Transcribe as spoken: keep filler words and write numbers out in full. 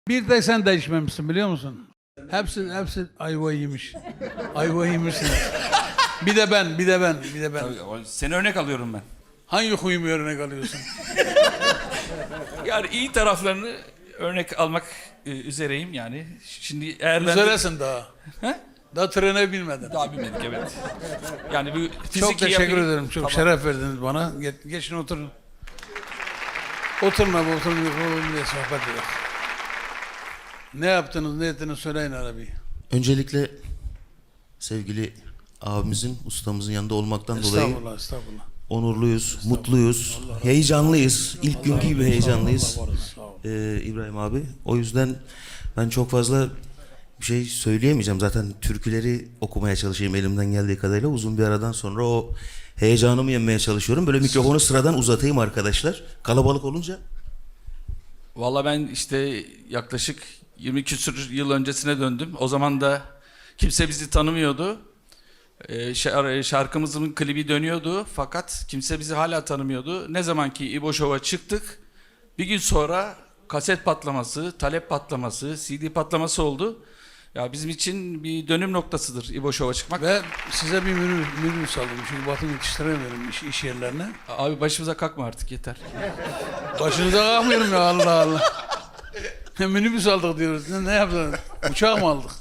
Bir de sen değişmemişsin biliyor musun? Hepsi hepsi ayva yemiş. Ayva yemişsiniz. Bir de ben, bir de ben, bir de ben. Tabii, seni örnek alıyorum ben. Hangi huyumu örnek alıyorsun? Yani iyi taraflarını örnek almak e, üzereyim yani. Şimdi eğer ben... Üzeresin daha. He? Daha trene binmedin. Daha bilmedik evet. Yani bu fiziki Çok teşekkür yapıyı- ederim. Çok Tamam. şeref verdiniz bana. Ge- geçin oturun. Oturun abi oturun. Oturun diye sohbet edelim. Ne yaptınız, ne ettiniz söyleyin abi. Öncelikle sevgili abimizin, ustamızın yanında olmaktan dolayı Estağfurullah, estağfurullah. onurluyuz, mutluyuz, heyecanlıyız. İlk günkü gibi heyecanlıyız. Ee, İbrahim abi. O yüzden ben çok fazla bir şey söyleyemeyeceğim. Zaten türküleri okumaya çalışayım elimden geldiği kadarıyla. Uzun bir aradan sonra o heyecanımı yenmeye çalışıyorum. Böyle mikrofonu sıradan uzatayım arkadaşlar. Kalabalık olunca. Valla ben işte yaklaşık yirmi küsur yıl öncesine döndüm. O zaman da kimse bizi tanımıyordu. Ee, şar- şarkımızın klibi dönüyordu fakat kimse bizi hala tanımıyordu. Ne zaman ki İbo Show'a çıktık, bir gün sonra kaset patlaması, talep patlaması, C D patlaması oldu. Ya bizim için bir dönüm noktasıdır İbo Show'a çıkmak. Ve size bir minibüs, minibüs aldım. Çünkü Batı yetiştiremiyorum iş, iş yerlerine. Abi başımıza kalkma artık yeter. Başınıza kalkmıyorum ya Allah Allah. Minibüs aldık diyoruz. Ne, ne yaptınız? Uçak mı aldık?